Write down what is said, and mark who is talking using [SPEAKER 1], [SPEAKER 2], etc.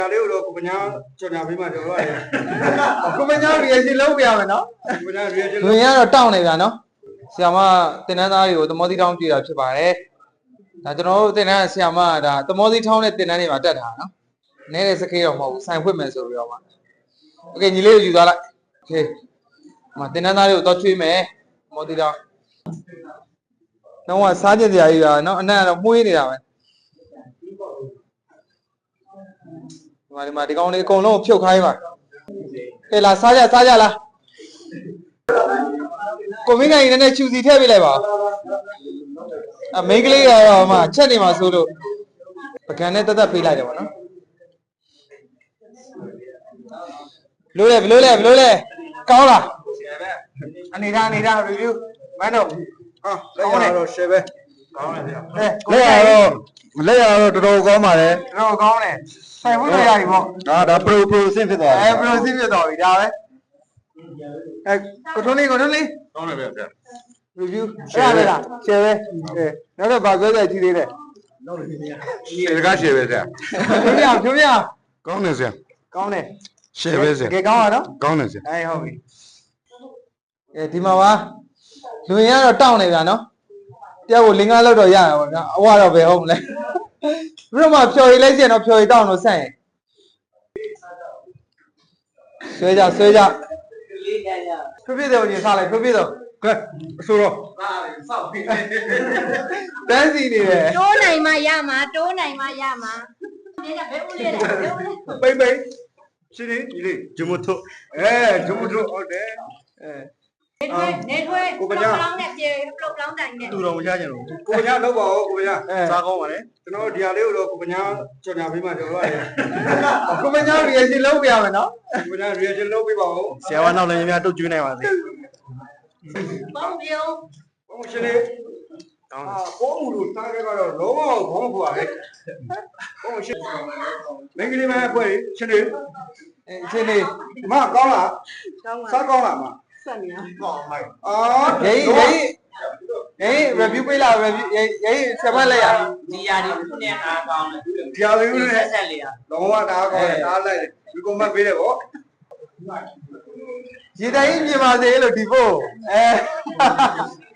[SPEAKER 1] ဒါလေးကိုကိုပညာကြော်ညာပေးမှကြော်ရတယ်
[SPEAKER 2] ကိုမညာ reaction လုပ်ပြရမယ်နော်
[SPEAKER 1] ကိုပညာ reaction
[SPEAKER 2] လူရတော့တောင်းနေဗျာနော်ဆရာမတင်တန်းသားတွေကိုသမောသီးထောင်းပြတာဖြစ်ပါတယ်ဒါကျွန်တော်တို့တင်တန်းဆရာမကဒါသမောသီးထောင်းနဲ့တင်တန်းတွေမှာတက်တာနော်နည်းတဲ့စကေးတော့မဟုတ်ဘူးဆိုင်ဖွင့်မယ်ဆိုပြီးတော့မှโอเคညီလေးကိုယူသွားလိုက်โอเคမတင်တန်းသားတွေကိုတော့ချွေးမယ်သမောသီးထောင်းတော့စားကြစရာကြီးပါနော်အနက်ကတော့မှုေးနေတာပဲဒီမှာဒီကောင်လေးအကုန်လုံးဖြုတ်ခိုင်းပါကဲလာစားကြလားကိုမင်းနိုင်နည်းနည်းချူစီထည့်ပေးလိုက်ပါအမိန်းကလေးကတော့မှချက်နေမှာဆိုလို့ပကံနဲ့တက်ပေးလိုက်တယ်ပေါ့နော်ဘလို့လဲကောင်းလားအနေထား review မန်းတော့
[SPEAKER 1] ဟာလက်ရတော့ share ပဲကောင်းတယ်ဗျာ
[SPEAKER 2] လက်ရတော့တော်တော်ကောင်းပါတယ်
[SPEAKER 1] တော်ကောင်းတယ်ဆိုင်ဖို့ရပြီပေါ့
[SPEAKER 2] ဒါ pro အဆင့်ဖြစ်သွားပြီ
[SPEAKER 1] pro အဆင့်ဖြစ်သွားပြီဒါပဲကိုထွန်းလေး
[SPEAKER 3] ကောင်းတယ်ဗျာ
[SPEAKER 1] review အဲ့ဒါလား share ပဲနောက်တော့ဗာပြောကြကြည့်သေးတယ်
[SPEAKER 3] ရှယ်ကားရှယ်ပဲဆရာ
[SPEAKER 1] ဖြိုးပြ
[SPEAKER 3] ကောင်းတယ်ဆရာ
[SPEAKER 1] ကောင်းတယ်
[SPEAKER 3] ရှယ်ပဲဆရာ
[SPEAKER 1] ကဲကောင်းရနော်
[SPEAKER 3] ကောင်းတယ်ဆရာ
[SPEAKER 1] ဟုတ်ပြီ
[SPEAKER 2] ဒီမှာပါလူရတော့တောင်းနေဗျာနော်တယောက်ကိုလင်းကားလောက်တော့ရတာပေါ့ဗျာအဝတော့ပဲဟုတ်မလဲပြီးတော့မှဖြော်ရည်လိုက်ကျင်တော့ဖြော်ရည်တောင်းတော့ဆန့်ရင်ဆွဲကြဖြည်းတော့ညစားလိုက်ဖြည်းတော့
[SPEAKER 1] ကဲအဆိုတော့
[SPEAKER 2] တန်းစီနေတယ်
[SPEAKER 4] တိုးနိုင်မှရမှာနေတာဘယ်ဦးလေးလဲ
[SPEAKER 1] ပိတ်ရှင်နေဒီလေးဂျမထုဂျမထုဟုတ်တယ်
[SPEAKER 4] နေထွေးပလောင်းနဲ့ပြေပလောင်းတိုင်နဲ့
[SPEAKER 1] သူတော်မချကြဘူးကိုပညာလောက်ပါဦးကိုပညာစားကောင်းပါလေကျွန်တော်ဒီဟာလေးကိုတော့ကိုပညာကြော်ညာပေးမှကြော်ရတယ်
[SPEAKER 2] ကိုမညာ reaction လုပ်ပြရမယ်နော်
[SPEAKER 1] ကိုပညာ reaction လုပ်ပေးပါဦး
[SPEAKER 2] ဆရာကနောက်လည်းများတုတ်ကျွေးနိုင်ပါစေ
[SPEAKER 4] ပေါင်းပြုံး
[SPEAKER 1] ဘုံရှင်လေးဘောမူလို့စားခဲ့ကတော့လုံးဝဘောမဖွာပဲဘုံရှင်မင်္ဂလိမဖွဲ့ရှင်လေး
[SPEAKER 2] ရှင်လေး
[SPEAKER 1] မကောင်းလားစားကောင်းလားမ
[SPEAKER 4] ဆက်နေ
[SPEAKER 1] အောင်ကောင်းမိုက်
[SPEAKER 2] ရေး review ပေးလာ review ရေးဆက်ပတ်လိုက်ရ
[SPEAKER 5] ဒီယာဒီခုနဲ့အားကောင်းတယ်
[SPEAKER 1] ဒီယာဒီခုနဲ့
[SPEAKER 5] ဆက်လေရ
[SPEAKER 1] လုံးဝတားကောင်းတယ်တားလိုက်တယ်ဒီကွန်မန့်ပေးတယ်ဗော
[SPEAKER 2] ရေတိုင်းပြင်ပါစေလို့ဒီဖို့